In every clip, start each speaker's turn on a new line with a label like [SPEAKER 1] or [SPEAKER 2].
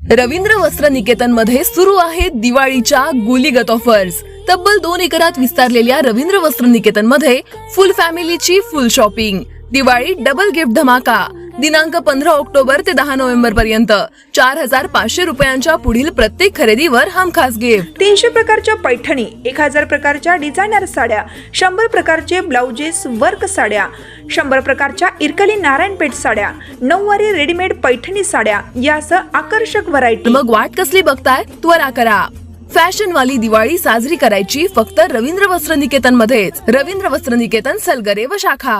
[SPEAKER 1] रवींद्र वस्त्र निकेतन मध्ये सुरू आहेत दिवाळीच्या गुलीगत ऑफर्स। तब्बल 2 एकरात विस्तारलेल्या रवींद्र वस्त्र निकेतन मध्ये फुल फॅमिलीची full shopping. Diwali double gift धमाका दिनांक 15 ऑक्टोबर ते 10 नोव्हेंबर पर्यंत 4500 रुपयांच्या पुढील प्रत्येक खरेदीवर हमखास गिफ्ट।
[SPEAKER 2] 300 प्रकारच्या पैठणी, 1000 प्रकारच्या डिझायनर साड्या, 100 प्रकारचे ब्लाउजेस वर्क साड्या, 100 प्रकारच्या इरकली नारायणपेठ साड्या, 9वारी रेडीमेड पैठणी साड्या यासह आकर्षक व्हरायटी।
[SPEAKER 1] मग वाट कसली बघताय, त्वरा करा। फॅशन वाली दिवाळी साजरी करायची फक्त रवींद्र वस्त्र निकेतन मध्येच। रवींद्र वस्त्र निकेतन, सलगरे व शाखा।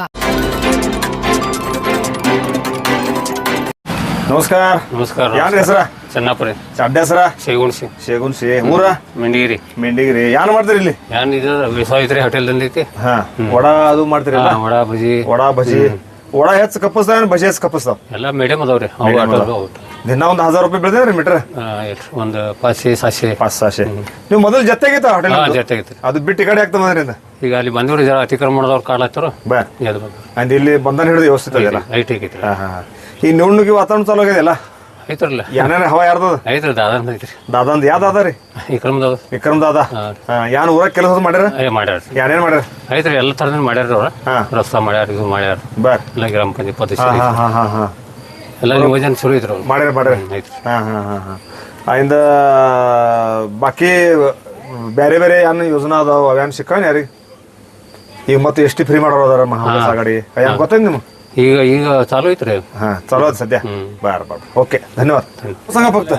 [SPEAKER 3] ನಮಸ್ಕಾರ
[SPEAKER 4] ನಮಸ್ಕಾರ
[SPEAKER 3] ಯಾನ್ ಹೆಸರ
[SPEAKER 4] ಚನ್ನಾಪುರ
[SPEAKER 3] ಅಡ್ಡ ಹೆಸರ
[SPEAKER 4] ಶೇಗುಣ್ಸಿ
[SPEAKER 3] ಊರ
[SPEAKER 4] ಮೆಂಡಿಗಿರಿ
[SPEAKER 3] ಯಾನ್ ಮಾಡ್ತೀರಿ ಇಲ್ಲಿ
[SPEAKER 4] ಯಾನ್ ಇದು ವಿಶ್ವಾಮಿತ್ರಿ ಹೋಟೆಲ್ ದಂದೈತಿ
[SPEAKER 3] ಹಾ ವಡಾ ಅದು ಮಾಡ್ತೀರಲ್ಲ
[SPEAKER 4] ವಡಾ ಬಜಿ
[SPEAKER 3] ವಡಾ ಹೆಚ್ಚು ಕಪ್ಪಸ್ತಾವ ಬಜಿ ಹೆಚ್ಚು ಕಪ್ಪಸ್ತಾವ
[SPEAKER 4] ಎಲ್ಲ ಮೀಡಿಯಂ ಅದಾವ್ರಿ
[SPEAKER 3] ದಿನ ಒಂದ್ 1000 ರೂಪಾಯಿ ಬೆಳೆದ್ರಿ ಮೀಟರ್
[SPEAKER 4] ಒಂದು 500
[SPEAKER 3] ನೀವು ಮೊದಲು ಜೊತೆಗಿತ್ತ ಹೋಟೆಲ್
[SPEAKER 4] ಜೊತೆಗಿತ್ತು
[SPEAKER 3] ಅದು ಬಿಟ್ಟು ಈ ಕಡೆ ಆಗ್ತದೆ ಮದ್ರಿಂದ
[SPEAKER 4] ಈಗ ಅಲ್ಲಿ ಬಂದವ್ರು ಜರ ಅತಿಕ್ರಮಣ ಮಾಡೋದವ್ರು ಕಾಡ್ಲತ್ತಾರ
[SPEAKER 3] ಬಾ ಅಂದ್ ಇಲ್ಲಿ ಬಂಧನ ಹಿಡಿದು ವ್ಯವಸ್ಥಿತ ಅದೆಲ್ಲ
[SPEAKER 4] ಐಟ್ ಐತಿ
[SPEAKER 3] ಈ ನಿವಣ್ಣುಗಿ ವಾತಾವರಣ ಚಾಲೂ ಆಗಿದೆಯಲ್ಲ
[SPEAKER 4] ಐತ್ರಲ್ಲ
[SPEAKER 3] ಏನೇನ ಹವಾ ಯಾರ್ದದ
[SPEAKER 4] ಐತ್ರಿ ದಾದಾ ಐತ್ರಿ
[SPEAKER 3] ದಾದಂದ್ ಯಾವ ದಾದ ರೀ ವಿಕ್ರಮ್ ದಾದ ಯಾನ್ ಊರಾಗ ಕೆಲಸ ಮಾಡ್ಯಾರ
[SPEAKER 4] ಮಾಡ್ಯಾರ
[SPEAKER 3] ಏನೇನ್ ಮಾಡ್ಯಾರ
[SPEAKER 4] ಐತ್ರಿ ಎಲ್ಲ ತರದ್ ಮಾಡ್ಯಾರ ಅವ್ರ ರಸ್ತಾ ಮಾಡ್ಯಾರ ಇದು ಮಾಡ್ಯಾರ
[SPEAKER 3] ಬರ್
[SPEAKER 4] ಎಲ್ಲ ಗ್ರಾಮ ಪಂಚಾಯತ್ ಎಲ್ಲ ಯೋಜನೆ ಶುರು ಐತ್ರಿ
[SPEAKER 3] ಮಾಡ್ಯಾರ
[SPEAKER 4] ಐತ್ರಿ
[SPEAKER 3] ಅಯಿಂದ ಬಾಕಿ ಬೇರೆ ಬೇರೆ ಏನ್ ಯೋಜನಾ ಅದಾವ ಅವ್ಯಾನ್ ಸಿಕ್ಕವನ್ ಯಾರಿಗೆ ಈಗ ಮತ್ತೆ ಎಷ್ಟು ಫ್ರೀ ಮಾಡೋರು ಅದಾರ ಮಹಾವಿಕಾಸ್ ಆಘಾಡಿ ಏನ್ ಗೊತ್ತೈತಿ ನಿಮ್ಗೆ
[SPEAKER 4] ಈಗ ಚಾಲೂ ಐತ್ರಿ
[SPEAKER 3] चालू आहे सध्या बर बर ओके धन्यवाद सांगा फक्त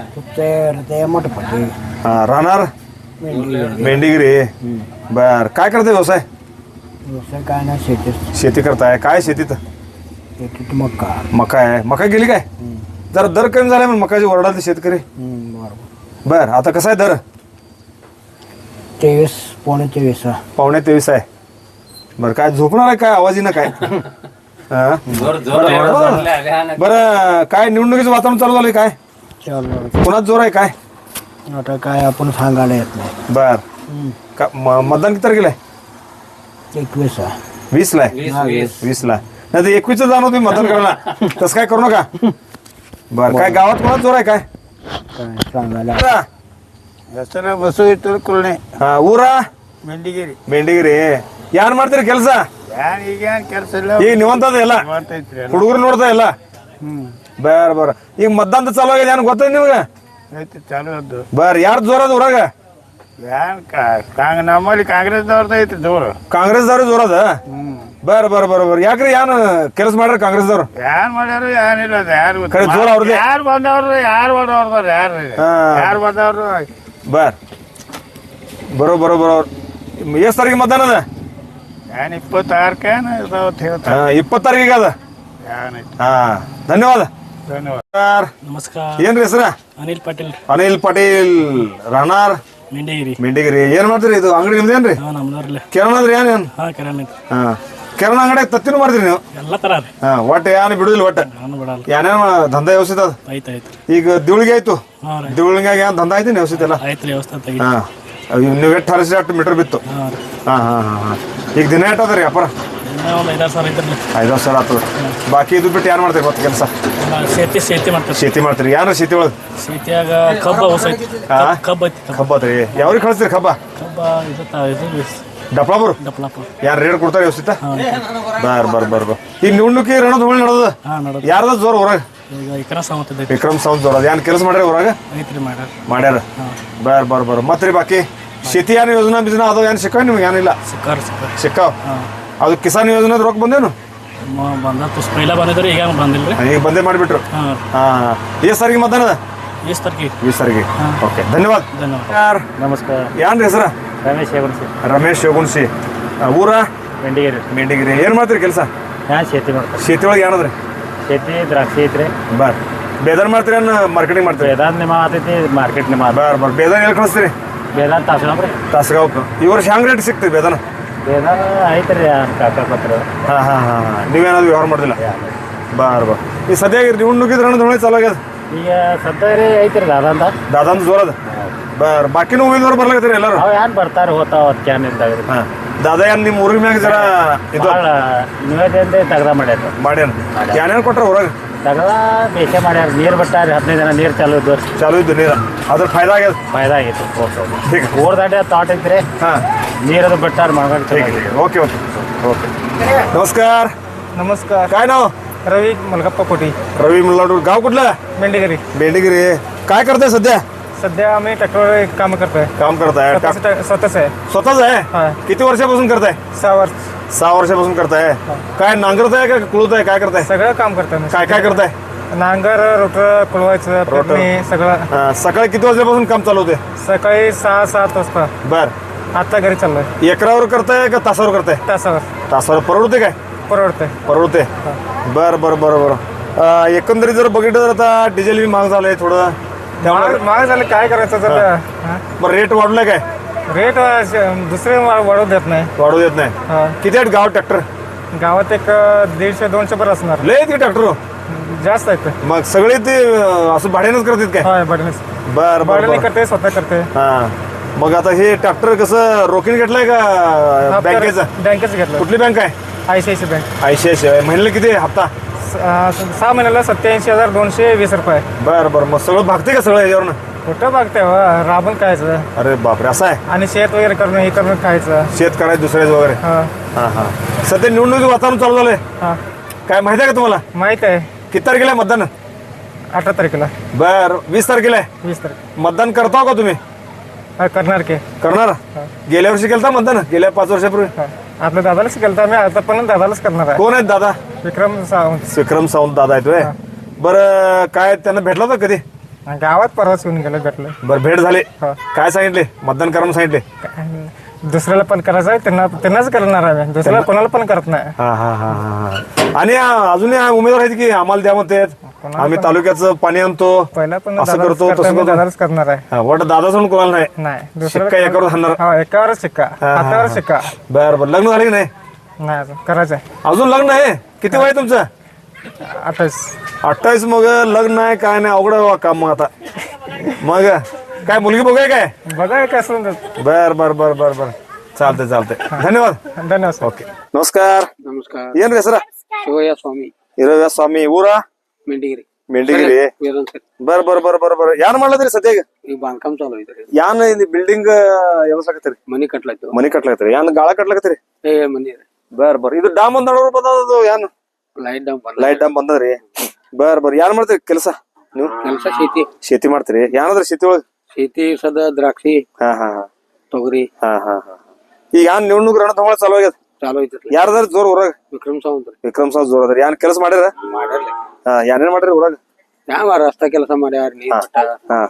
[SPEAKER 3] राहणार मेंढीगिरी बर काय करताय व्यवसाय
[SPEAKER 5] काय नाही
[SPEAKER 3] शेती करताय काय शेतीत मका आहे मका गेली काय जरा दर कमी झालाय मग मकाची ओरडाले शेतकरी बर आता कसा आहे दर
[SPEAKER 5] 23 पावणे
[SPEAKER 3] 23 आहे बर काय झोपणार आहे काय आवाजीनं काय बर काय निवडणुकीचं वातावरण चालू झालंय काय कोणाच जोर आहे काय
[SPEAKER 5] आता काय आपण सांगायला येत नाही
[SPEAKER 3] बर मतदान किती तारखेला आहे
[SPEAKER 5] 21
[SPEAKER 3] ला आहे 20 ला नाही तर 21 जाणार तुम्ही मतदान करायला तसं काय करू नका बर काय गावात कोणाच जोर आहे काय
[SPEAKER 5] सांगायला बसू येतो कुलणे
[SPEAKER 3] ಹಾ ಊರ
[SPEAKER 5] ಮೆಂಡಿಗಿರಿ
[SPEAKER 3] ಯಾರು ಮಾಡ್ತೀರಿ ಕೆಲಸ
[SPEAKER 5] ಕೆಲಸ
[SPEAKER 3] ಈಗ ನೀವಂತದ ಎಲ್ಲ ಹುಡುಗರು ನೋಡ್ತಾ ಇಲ್ಲ बर बर ಈಗ ಮತದಾನ ಚಾಲು ಆಗಿದೆ ಏನ್ ಗೊತ್ತೈತಿ ನಿಮ್ಗೆ
[SPEAKER 5] ಚಾಲು ಅದ್ದು
[SPEAKER 3] बर ಯಾರು ಜೋರದ ಊರಾಗ
[SPEAKER 5] ನಮ್ಮಲ್ಲಿ ಕಾಂಗ್ರೆಸ್ದವ್ರದ್ದು ಐತಿ ಜೋರು
[SPEAKER 3] ಕಾಂಗ್ರೆಸ್ದವ್ರು ಜೋರದ बर बर बर बर ಯಾಕ್ರಿ ಏನ್ ಕೆಲಸ ಮಾಡ್ರ ಕಾಂಗ್ರೆಸ್ದವ್ರು
[SPEAKER 5] ಯಾರು ಮಾಡ್ಯಾರು ಏನಿಲ್ಲ ಯಾರು
[SPEAKER 3] ಖರೆ ಜೋರ ಅವ್ರದೇ
[SPEAKER 5] ಯಾರು ಬಂದವ್ರು ಯಾರು ಬಂದವ್ರು
[SPEAKER 3] बर ಬರೋ ಎಷ್ಟು ತಾರೀಕು ಮತದಾನ ಅದ
[SPEAKER 5] ಏನ್ 26
[SPEAKER 3] 20 ತಾರೀಕಿಗೆ ಅದ ಹಾ ಧನ್ಯವಾದ
[SPEAKER 5] ಧನ್ಯವಾದ
[SPEAKER 6] ನಮಸ್ಕಾರ
[SPEAKER 3] ಏನ್ರಿ ಹೆಸರ
[SPEAKER 6] ಅನಿಲ್ ಪಾಟೀಲ್
[SPEAKER 3] ರಾಹನಾರ್ ಮೆಂಡಿಗಿರಿ ಏನ್ ಮಾಡ್ತೀರಿ ಇದು ಅಂಗಡಿ ನಿಮ್ದೇನ್ರಿ ಕಿರಾಣ ಅಂದ್ರಿ ಏನ್ ಕಿರಾಣ ಅಂಗಡಿ ತತ್ತಿನೂ ಮಾಡ್ತೀರಿ ನೀವು
[SPEAKER 6] ಎಲ್ಲ ತರ
[SPEAKER 3] ಒಟ್ಟು ಏನ್ ಬಿಡುದಿಲ್ಲ ಒಟ್ಟ ಏನೇನ್ ದಂಧ ವ್ಯವಸ್ಥಿತ ಅದ ಈಗ ದಿವಳಿಗೆ ಆಯ್ತು ದಿವಳಿಗೆ ಏನ್ ದಂಧ ಐತಿ ವ್ಯವಸ್ಥಿತ ಎಲ್ಲ ನೀವು ಎಷ್ಟು ಹರಿಸಿ ಅಷ್ಟು ಮೀಟರ್ ಬಿತ್ತು ಈಗ ದಿನ ಎಟ್ಟದ್ರಿ ವ್ಯಾಪಾರ 5,000 ಸಾವಿರ ಆಗ್ತದ ಬಾಕಿ ಇದು ಬಿಟ್ಟು ಯಾರು ಮಾಡ್ತೀರಿ ಮತ್ತೆ ಕೆಲಸ ಶೇತಿ ಮಾಡ್ತೀರಿ ಯಾರ ಶೇತಿ ಒಳಗೆ ಕಬ್ಬ ಐತ್ರಿ ಯಾವ್ರಿಗೆ ಕಳಿಸ್ತೀರಿ ಕಬ್ಬ ಡಪ್ಲಾಪುರ್ ಯಾರು ರೇಟ್ ಕೊಡ್ತಾರೆ ವ್ಯವಸ್ಥಿತ ಬರ್ ಈಗ ನಿವಣ್ಣುಕಿ ರಣದ ಹೋಳಿ ನಡೆದ ಯಾರದ ಜೋರ್ ಊರಾಗ ವಿಕ್ರಮ್ ಸಾವಂತ್ ಜೋರ್ ಅದ ಏನ್ ಕೆಲಸ ಮಾಡ್ಯಾರ ಊರಾಗ ಮಾಡ್ಯಾರ ಬರ್ ಮತ್ರಿ ಬಾಕಿ ಶೇತಿ ಏನ್ ಯೋಜನಾ ಬಿಜನಾ ಅದಾವ ಏನ್ ಸಿಕ್ಕಾವ ನಿಮ್ಗೆ ಏನಿಲ್ಲ ಸಿಕ್ಕಾವ್ ಅದು ಕಿಸಾನ್ ಯೋಜನೆದ ರೊಕ್ಕ ಬಂದೇನು ಈಗ ಬಂದೇ ಮಾಡಿಬಿಟ್ರು ಎಷ್ಟು ತಾರೀಕಿಗೆ ಮತದಾನ ಅದ 20 ತಾರೀಕಿಗೆ ಓಕೆ ಧನ್ಯವಾದ
[SPEAKER 5] ನಮಸ್ಕಾರ
[SPEAKER 3] ಯಾನ್ರಿ ಹೆಸರ ರಮೇಶ್ ಶೇಗುಣ್ಸಿ ಊರ ಮೆಂಡಿಗಿರಿ ಏನ್ ಮಾಡ್ತೀರಿ ಕೆಲಸ
[SPEAKER 5] ಶೇತಿ ಮಾಡ್ತಾರೆ
[SPEAKER 3] ಶೇತಿ ಒಳಗೆ ಏನದ್ರಿ
[SPEAKER 5] ಶೇತಿ ದ್ರಾಕ್ಷಿ ಐತ್ರಿ
[SPEAKER 3] ಬರ್ ಬೇದಾನ್ ಮಾಡ್ತೀರಿ ಏನ್ ಮಾರ್ಕೆಟಿಂಗ್ ಮಾಡ್ತೀರಿ
[SPEAKER 5] ಬೇದಾನ್ ಮಾತೈತಿ ಮಾರ್ಕೆಟ್
[SPEAKER 3] ಬರ್ ಬೇದಾನ್ ಎಲ್ಲಿ ಕಳಿಸ್ತೀರಿ
[SPEAKER 5] ಬೇದಾನ್
[SPEAKER 3] ತಾಸಗಾವ್ಕ ಈ ವರ್ಷ ಹ್ಯಾಂಗ್ ರೇಟ್ ಸಿಗ್ತೀವಿ ಬೇದಾನ
[SPEAKER 5] ಐತ್ರಿ ಕಾಕಪತ್ರ
[SPEAKER 3] ನೀವೇನಾದ್ರು ವ್ಯವಹಾರ ಮಾಡಿಲ್ಲ ಬರ್ ಈ ಸದ್ಯ ನಿವಣ್ಣುಕಿದ ರಣದ ಹೊಳೆ ಚಾಲು ಆಗ್ಯದ
[SPEAKER 5] ಈಗ ಸದ್ಯ ಐತ್ರಿ
[SPEAKER 3] ದಾದಂತ ಜೋರದ बर बाकी उमेदवार ಬರ್ಲಾಕತ್ತೀರಿ ಎಲ್ಲರೂ
[SPEAKER 5] ಅವ ಯಾನ್ ಬರ್ತಾರೆ ಹೋತಾವ ಕ್ಯಾನ್ ಇದ್ದಾಗ್ರಿ
[SPEAKER 3] ದಾದಾ ಏನ್ ನಿಮ್ಮ ಊರಿನ ಮ್ಯಾಗ ಜರ ಇದು
[SPEAKER 5] ನಿವೇದನೆ ತಗದ ಮಾಡ್ಯಾರ
[SPEAKER 3] ಮಾಡ್ಯಾನ ಏನೇನು ಕೊಟ್ರ ಊರಾಗ
[SPEAKER 5] ಸಗಲ ಬೇಷ ಮಾಡ್ಯಾರ ನೀರು ಬಿಟ್ಟಾರ 15 ದಿನ ನೀರು ಚಾಲು ಇದ್ದು
[SPEAKER 3] ಚಾಲು ಇದ್ದು ನೀರ ಅದ್ರ ಫಾಯ್ದಾ ಆಗ್ಯದ
[SPEAKER 5] ಫಾಯ್ದಾ ಆಗೈತಿ
[SPEAKER 3] ठीक है
[SPEAKER 5] ಊರ್ ದಾಟಿ ತಾಟ್ ಐತ್ರಿ
[SPEAKER 3] हाँ
[SPEAKER 5] ನೀರದು ಬಿಟ್ಟಾರ ಮಗನ್
[SPEAKER 3] ठीक है ओके ओके ओके नमस्कार
[SPEAKER 6] नमस्कार
[SPEAKER 3] काय नाव
[SPEAKER 6] रवी मलगप्पा कोटी
[SPEAKER 3] रवी मल्लाडू गाव कुठलं
[SPEAKER 6] मेंढेगिरी
[SPEAKER 3] बेंडेगिरी काय करताय सध्या
[SPEAKER 6] सध्या आम्ही ट्रॅक्टरवर काम करतोय
[SPEAKER 3] काम करताय
[SPEAKER 6] स्वतःच आहे
[SPEAKER 3] स्वतःच आहे
[SPEAKER 6] हा.
[SPEAKER 3] किती वर्षापासून करताय
[SPEAKER 6] 6 वर्ष
[SPEAKER 3] 6 वर्षापासून करताय काय नांगरताय का कुळताय काय करताय
[SPEAKER 6] सगळं काम करतोय मी.
[SPEAKER 3] काय काय करताय
[SPEAKER 6] नांगर रोटर कुळवायचं पेरणी सगळं
[SPEAKER 3] सकाळी किती वाजल्यापासून काम चालू होते
[SPEAKER 6] सकाळी 6-7 वाजता
[SPEAKER 3] बर
[SPEAKER 6] आता घरी चाललोय
[SPEAKER 3] एकरावर करताय का तासावर करताय
[SPEAKER 6] तासावर
[SPEAKER 3] तासावर परवडते काय
[SPEAKER 6] परवडतंय
[SPEAKER 3] परवडते बर बर बर बर एकंदरीत जर बघितलं तर आता डिझेल बी महाग झालंय थोडं त्यामुळे
[SPEAKER 6] महाग झालं काय करायचं तर
[SPEAKER 3] बरं रेट वाढलाय काय
[SPEAKER 6] रेट दुसरे वाढवू देत नाही
[SPEAKER 3] वाढू देत नाही
[SPEAKER 6] हा.
[SPEAKER 3] किती आहेत गावात ट्रॅक्टर
[SPEAKER 6] गावात एक 150-200 पर असणार
[SPEAKER 3] लय आहेत की ट्रॅक्टर
[SPEAKER 6] जास्त आहेत
[SPEAKER 3] मग सगळे ते असं भाड्यानंच करतात काय
[SPEAKER 6] होय बडणीच
[SPEAKER 3] बर बर
[SPEAKER 6] बडणी
[SPEAKER 3] बर
[SPEAKER 6] करते स्वतः करते
[SPEAKER 3] हा मग आता हे ट्रॅक्टर कसं रोखीन घेतलाय का बँकेचं
[SPEAKER 6] बँकेच घेतलं
[SPEAKER 3] कुठली बँक आहे
[SPEAKER 6] ICICI बँक
[SPEAKER 3] ICICI महिन्याला किती आहे हप्ता
[SPEAKER 6] 6 महिन्याला 87,220 रुपये
[SPEAKER 3] बर बर मग सगळं भागते का सगळं याच्यावरनं
[SPEAKER 6] कुठं बघते राबून खायचं
[SPEAKER 3] अरे बापरे असं आहे
[SPEAKER 6] आणि शेत वगैरे करणं हे करून खायचं
[SPEAKER 3] शेत करायचं दुसऱ्याच वगैरे
[SPEAKER 6] हा
[SPEAKER 3] हा हा सध्या निवडणुकीचं वातावरण चालू झालंय
[SPEAKER 6] हा
[SPEAKER 3] काय माहिती आहे का तुम्हाला
[SPEAKER 6] माहित आहे
[SPEAKER 3] किती तारखेला आहे मतदान
[SPEAKER 6] 18 तारखेला
[SPEAKER 3] बर 20 तारखेला आहे
[SPEAKER 6] 20 तारखेला
[SPEAKER 3] मतदान करता का तुम्ही
[SPEAKER 6] करणार की
[SPEAKER 3] करणार गेल्या वर्षी केलता मतदान गेल्या 5 वर्षापूर्वी
[SPEAKER 6] हा. आपल्या दादालाच केलं मी आता पण दादालाच करणार आहे
[SPEAKER 3] कोण आहेत दादा
[SPEAKER 6] विक्रम सावंत
[SPEAKER 3] विक्रम सावंत दादा आहेत होय बरं काय त्यांना भेटला होता कधी
[SPEAKER 6] गावात परवाच येऊन गेलं भेटलं
[SPEAKER 3] बरं भेट झाले
[SPEAKER 6] हा.
[SPEAKER 3] काय सांगितले मतदान करा म्हणून सांगितले
[SPEAKER 6] दुसऱ्याला पण करायचं आहे त्यांनाच करणार आहे मी. दुसऱ्याला कोणाला पण करत नाही
[SPEAKER 3] हा हा हा हा आणि अजून उमेदवार आहेत की आम्हाला द्या म्हणते आम्ही तालुक्याचं पाणी आणतो
[SPEAKER 6] पहिला पण
[SPEAKER 3] असं
[SPEAKER 6] दादालाच
[SPEAKER 3] करतो
[SPEAKER 6] करतोय,
[SPEAKER 3] तसं
[SPEAKER 6] मी
[SPEAKER 3] करतो
[SPEAKER 6] दादालाच करणार आहे
[SPEAKER 3] हा, वाटतं दादा सोडून कोणाला नाही
[SPEAKER 6] नाही
[SPEAKER 3] शिक्का एकावर हाणणार.
[SPEAKER 6] हा एकावरच शिक्का हातावरच शिक्का
[SPEAKER 3] बर बर लग्न झाले की नाही
[SPEAKER 6] नाही अजून करायचं आहे
[SPEAKER 3] अजून लग्न आहे किती वय आहे तुमचं
[SPEAKER 6] 28
[SPEAKER 3] मग लग्न आहे काय नाही अवघड आहे बा काम मग आता मग काय मुलगी बघूय काय
[SPEAKER 6] बघा काय असून
[SPEAKER 3] बर बर बर बर बर चालतंय चालतंय धन्यवाद
[SPEAKER 6] धन्यवाद सर.
[SPEAKER 3] ಓಕೆ ನಮಸ್ಕಾರ
[SPEAKER 7] ನಮಸ್ಕಾರ
[SPEAKER 3] ಏನ್ ಹೆಸರ
[SPEAKER 7] ಶಿವಯ್ಯ ಸ್ವಾಮಿ
[SPEAKER 3] ಇರವ್ಯ ಸ್ವಾಮಿ ಊರ
[SPEAKER 7] ಮೆಂಡಿಗಿರಿ
[SPEAKER 3] ಮೆಂಡಿಗಿರಿ
[SPEAKER 7] ವೀರನ್ ಸರ್
[SPEAKER 3] ಬರ್ ಬರ್ ಬರ್ ಬರ್ ಬರ್ ಯಾನ್ ಮಾಡ್ಲತ್ರಿ ಸದ್ಯಾಗ
[SPEAKER 7] ಈಗ ಬಾಂಧಕಾಮ್ ಚಾಲು ಐತ್ರಿ
[SPEAKER 3] ಯಾನ್ ಇಲ್ಲಿ ಬಿಲ್ಡಿಂಗ್ ಯಾವಸಾಕತ್ರಿ
[SPEAKER 7] ಮನಿ ಕಟ್ಲಾಯ್ತು
[SPEAKER 3] ಮನಿ ಕಟ್ಲಾಕತ್ರಿ ಯಾನ್ ಗಾಳ ಕಟ್ಲಾಕತ್ರಿ
[SPEAKER 7] ಏ ಮನಿ
[SPEAKER 3] ಬರ್ ಬರ್ ಇದು ಡ್ಯಾಮ್ ಒಂದ್ ನಡೋರು ಬಂದದು ಯಾನ್
[SPEAKER 7] ಲೈಟ್ ಡೌನ್ ಬಂದ
[SPEAKER 3] ಲೈಟ್ ಡ್ಯಾಮ್ ಬಂದದ್ರಿ ಬರ್ ಬರ್ ಯಾನ್ ಮಾಡ್ತೀರಿ ಕೆಲಸ ನೀವು
[SPEAKER 7] ಕೆಲಸ ಶೇತಿ
[SPEAKER 3] ಶೇತಿ ಮಾಡ್ತೀರಿ ಯಾನದ್ರಿ ಶೇತಿ ಒಳಗ
[SPEAKER 7] ಶೇತಿ ಸದ ದ್ರಾಕ್ಷಿ
[SPEAKER 3] ಹಾ ಹಾ ಹಾ
[SPEAKER 7] ತೊಗರಿ
[SPEAKER 3] ಹಾ ಹಾ ಹಾ ಈಗ ಯಾನ್ ನಿವಣುಗ್ ರಣಧೊಳ ಚಾಲು ಆಗ್ಯದ
[SPEAKER 7] ಚಾಲು ಐತ್ರಿ
[SPEAKER 3] ಯಾರದಾರ ಜೋರ್ ಊರಾಗ
[SPEAKER 7] ವಿಕ್ರಮ್ ಸಾವಂತ್
[SPEAKER 3] ವಿಕ್ರಮ್ ಸಾವ್ ಜೋರ್ ಅದ್ರಿ ಯಾನ್ ಕೆಲಸ ಮಾಡ್ಯಾರ
[SPEAKER 7] ಮಾಡ್ಯಾರ್ಲಿ
[SPEAKER 3] ಹಾ ಏನೇನ್ ಮಾಡ್ರಿ ಊರಾಗ
[SPEAKER 7] ಯಾವ ರಸ್ತಾ ಕೆಲಸ ಮಾಡ್ಯಾರ ನೀರ್ ಮಟ್ಟ
[SPEAKER 3] ಹಾ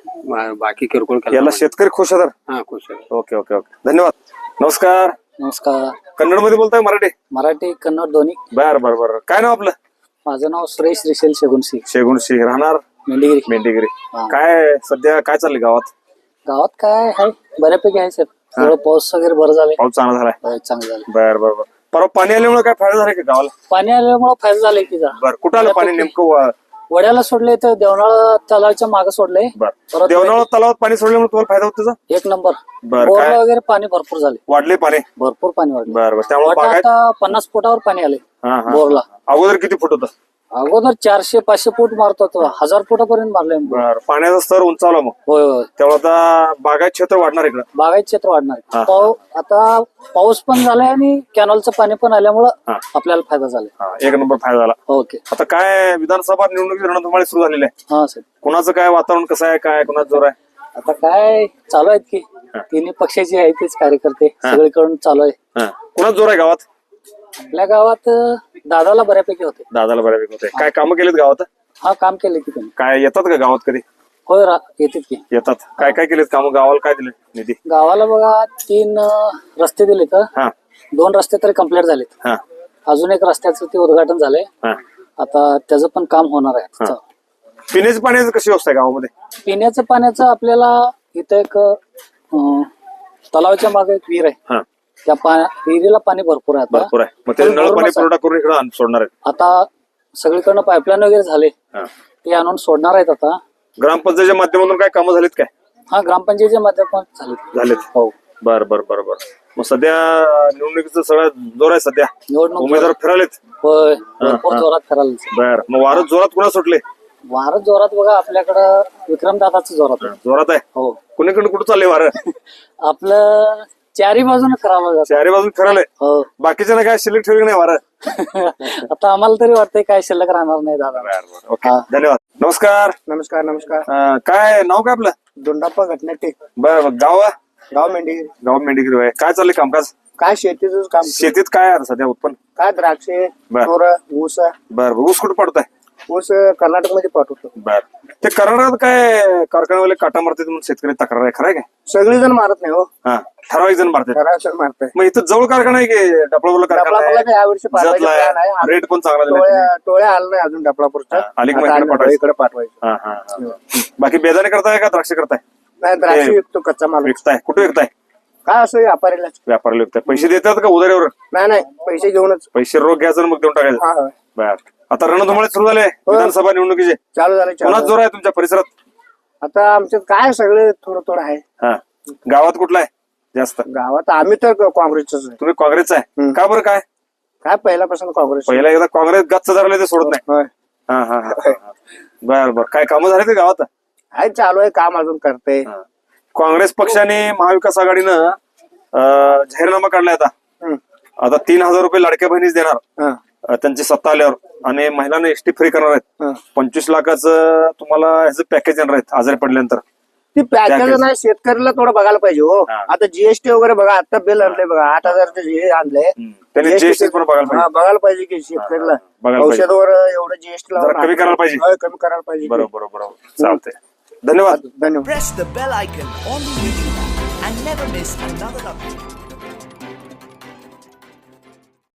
[SPEAKER 7] ಬಾಕಿ ಕಿರ್ಕೊಳ್ ಕೆಲಸ
[SPEAKER 3] ಎಲ್ಲ शेतकरी खुश अदार
[SPEAKER 7] ಹಾ ಖುಷಿ
[SPEAKER 3] ओके ओके ओके धन्यवाद नमस्कार
[SPEAKER 8] नमस्कार
[SPEAKER 3] कन्नड मध्ये बोलताय मराठी
[SPEAKER 8] मराठी कन्नड दोन्ही
[SPEAKER 3] बर बर बर काय नाव आपलं
[SPEAKER 8] माझं नाव सुरेश रिशेल शेगुनसी
[SPEAKER 3] शेगुण सिंह राहणार
[SPEAKER 8] मेंढीगिरी
[SPEAKER 3] मेंढीगिरी
[SPEAKER 8] हा.
[SPEAKER 3] काय सध्या काय चाललंय गावात
[SPEAKER 8] गावात काय आहे बऱ्यापैकी आहे सर थोडं पाऊस वगैरे बरं झालंय
[SPEAKER 3] पाऊस चांगला झालाय
[SPEAKER 8] होय, चांगलं झालं
[SPEAKER 3] बर बर बर परवा पाणी आल्यामुळे काय फायदा झाला का गावाला
[SPEAKER 8] पाणी आल्यामुळे फायदा झालाय की जरा
[SPEAKER 3] बर कुठं आलं पाणी नेमकं
[SPEAKER 8] वड्याला सोडले तर देवनाळ तलावाच्या मागे सोडले
[SPEAKER 3] बर
[SPEAKER 8] परत
[SPEAKER 3] देवनाळ तलावात पाणी सोडल्यामुळे तुम्हाला फायदा होतो त्याचा
[SPEAKER 8] एक नंबर
[SPEAKER 3] बर,
[SPEAKER 8] बोरला
[SPEAKER 3] काय?
[SPEAKER 8] वगैरे पाणी भरपूर झाले
[SPEAKER 3] वाढले पाणी
[SPEAKER 8] भरपूर पाणी वाढले
[SPEAKER 3] बर बर त्यामुळे
[SPEAKER 8] वाटा
[SPEAKER 3] बागायत
[SPEAKER 8] आता 50 फुटावर पाणी आले
[SPEAKER 3] हा हा
[SPEAKER 8] बोरला
[SPEAKER 3] अगोदर किती फूट होतं
[SPEAKER 8] अगोदर 400-500 फूट मारत होतो 1000 फुटापर्यंत मारले
[SPEAKER 3] बर पाण्याचा स्तर उंचावला मग
[SPEAKER 8] होय होय
[SPEAKER 3] त्यामुळे आता बागायत क्षेत्र वाढणार इकडं
[SPEAKER 8] बागायत क्षेत्र वाढणार
[SPEAKER 3] हा.
[SPEAKER 8] आता पाऊस पण झालाय आणि कॅनलचं पाणी पण आल्यामुळं
[SPEAKER 3] हा.
[SPEAKER 8] आपल्याला फायदा झालाय
[SPEAKER 3] हा एक नंबर फायदा झाला
[SPEAKER 8] ओके
[SPEAKER 3] आता काय विधानसभा निवडणुकीची रणधुमाळी सुरू झालेली आहे
[SPEAKER 8] हा सर
[SPEAKER 3] कुणाचं काय वातावरण कसं आहे काय कुणाचं जोर आहे
[SPEAKER 8] आता काय चालू आहेत की तिन्ही पक्षाचे आहेत तेच कार्यकर्ते सगळीकडून चालू आहे
[SPEAKER 3] हा. कुणाचं जोर आहे गावात
[SPEAKER 8] आपल्या गावात दादाला बऱ्यापैकी होते
[SPEAKER 3] दादाला बऱ्यापैकी होते काय कामं केलीत गावात
[SPEAKER 8] हा काम केले की त्यांनी
[SPEAKER 3] काय येतात का गावात कधी
[SPEAKER 8] होय येतात की
[SPEAKER 3] येतात काय काय केलेत कामं गावाला काय दिले निधी
[SPEAKER 8] गावाला बघा 3 रस्ते दिले तर
[SPEAKER 3] हा
[SPEAKER 8] 2 रस्ते तरी कम्प्लीट झालेत
[SPEAKER 3] हा
[SPEAKER 8] अजून एक रस्त्याचं ते उद्घाटन झालंय
[SPEAKER 3] हा
[SPEAKER 8] आता त्याचं पण काम होणार आहे
[SPEAKER 3] पिण्याच्या पाण्याची कशी व्यवस्था आहे गावामध्ये
[SPEAKER 8] पिण्याचं पाण्याचं आपल्याला इथं एक तलावाच्या मागे एक विहीर आहे
[SPEAKER 3] हा
[SPEAKER 8] त्या विहिरीला पाणी भरपूर आहे आता
[SPEAKER 3] भरपूर आहे मग ते नळ पाणी पुरवठा करून इकडे सोडणार आहेत
[SPEAKER 8] आता सगळीकडनं पाईपलाईन वगैरे झाले
[SPEAKER 3] हा.
[SPEAKER 8] ते आणून सोडणार आहेत आता
[SPEAKER 3] ग्रामपंचायतीच्या माध्यमातून काय कामं झालीत काय
[SPEAKER 8] हा ग्रामपंचायतीच्या माध्यमातून झाले
[SPEAKER 3] झालेत
[SPEAKER 8] हो
[SPEAKER 3] बर बर बर बर मग सध्या निवडणुकीचं सगळं जोर आहे सध्या
[SPEAKER 8] निवडणूक
[SPEAKER 3] उमेदवार फिरालेत
[SPEAKER 8] होय भरपूर जोरात करायला
[SPEAKER 3] बर मग वारं जोरात कुणा सुटले
[SPEAKER 8] वारं जोरात बघा आपल्याकडं विक्रमदादाच जोरात आहे.
[SPEAKER 3] जोरात आहे
[SPEAKER 8] हो
[SPEAKER 3] कुणीकडे कुठं चालले वारं
[SPEAKER 8] आपलं चारी बाजूने करावं लागत
[SPEAKER 3] चारी बाजून फिराले
[SPEAKER 8] हो
[SPEAKER 3] बाकीच्या काय शिल्लक ठेवली नाही वारं
[SPEAKER 8] आता आम्हाला तरी वाटतंय काय शिल्लक राहणार नाही दादा
[SPEAKER 3] ओके
[SPEAKER 8] हा.
[SPEAKER 3] धन्यवाद नमस्कार
[SPEAKER 5] नमस्कार नमस्कार
[SPEAKER 3] काय नाव काय आपलं
[SPEAKER 5] दोंडाप्पा घटनाटे
[SPEAKER 3] बर गाव
[SPEAKER 5] गाव मेंढी
[SPEAKER 3] गाव मेंढीगिरी आहे काय चाललंय कामकाज
[SPEAKER 5] काय शेतीचं काम
[SPEAKER 3] शेतीत काय आहे आता सध्या उत्पन्न
[SPEAKER 5] काय द्राक्षे
[SPEAKER 3] बर.
[SPEAKER 5] तोर ऊस
[SPEAKER 3] बर ऊस कुठं पडताय
[SPEAKER 5] ऊस कर्नाटक मध्ये पाठवतो
[SPEAKER 3] बर ते कर्नाटकात काय कारखान्यावाले काटा मारतात म्हणून शेतकरी तक्रार आहे खरं आहे काय
[SPEAKER 5] सगळे जण मारत नाही हो
[SPEAKER 3] हा ठराविक जण मारतात
[SPEAKER 5] ठराविक मारताय
[SPEAKER 3] मग इथं जवळ कारखाना आहे की डपळापूरला कारखाना
[SPEAKER 5] डबलापूरला यावर्षी पाठवायचं plan आहे.
[SPEAKER 3] आहे रेट पण चांगला दिलाय तुम्ही.
[SPEAKER 5] टोळ्या आलं नाही अजून डबलापूरच्या
[SPEAKER 3] हा, अलीकडे
[SPEAKER 5] आता
[SPEAKER 3] इकडे
[SPEAKER 5] आलं, इकडे पाठवायचं
[SPEAKER 3] हा, हा, हा. बाकी बेदाणे करताय का द्राक्ष करताय
[SPEAKER 5] नाही द्राक्षे विकतो कच्चा माल
[SPEAKER 3] विकताय कुठे विकताय
[SPEAKER 5] काय असं व्यापारीला
[SPEAKER 3] व्यापाऱ्याला विकताय पैसे देतात का उधारीवर
[SPEAKER 5] नाही नाही पैसे घेऊनच
[SPEAKER 3] पैसे रोख घ्यायचं आणि मग देऊन टाकायचं
[SPEAKER 5] हा हा.
[SPEAKER 3] बर आता रणधुमाळे सुरू झाले विधानसभा निवडणुकीचे
[SPEAKER 5] चालू झालं
[SPEAKER 3] कोणाच जोर आहे तुमच्या परिसरात
[SPEAKER 5] आता आमच्यात काय सगळे थोडं थोडं आहे
[SPEAKER 3] हा गावात कुठला आहे जास्त
[SPEAKER 5] गावात आम्ही तर काँग्रेसच आहे
[SPEAKER 3] तुम्ही काँग्रेसचा आहे
[SPEAKER 5] हम्म.
[SPEAKER 3] का बरं काय
[SPEAKER 5] काय पहिल्यापासून काँग्रेस
[SPEAKER 3] पहिला एकदा काँग्रेस गच्च धरले ते सोडत नाही
[SPEAKER 5] होय.
[SPEAKER 3] हा हा हा बर बर काय कामं झाले ते गावात
[SPEAKER 5] आहे चालू आहे काम अजून करते
[SPEAKER 3] हा. काँग्रेस पक्षाने महाविकास आघाडीनं जाहीरनामा काढलाय आता 3,000 रुपये लाडक्या बहिणीच देणार त्यांची सत्ता आल्यावर आणि महिलांना एसटी फ्री करणार आहेत 25 लाखाचं तुम्हाला ह्याचं पॅकेज येणार आहेत आजारी पडल्यानंतर
[SPEAKER 5] ती पॅकेज नाही शेतकऱ्याला थोडं बघायला पाहिजे हो
[SPEAKER 3] हा.
[SPEAKER 5] आता जीएसटी वगैरे बघा आता बिल आणलंय बघा 8,000 हे आणलंय
[SPEAKER 3] त्यांनी
[SPEAKER 5] GST
[SPEAKER 3] जीएसटी पण बघायला पाहिजे
[SPEAKER 5] बघायला पाहिजे की शेतकऱ्याला
[SPEAKER 3] बघायला पाहिजे.
[SPEAKER 5] औषधावर एवढं जीएसटी
[SPEAKER 3] जरा कमी करायला पाहिजे.
[SPEAKER 5] कमी करायला पाहिजे
[SPEAKER 3] बरोबर बरोबर चालतंय धन्यवाद
[SPEAKER 5] धन्यवाद
[SPEAKER 9] Press the bell icon on the YouTube app and never miss another update.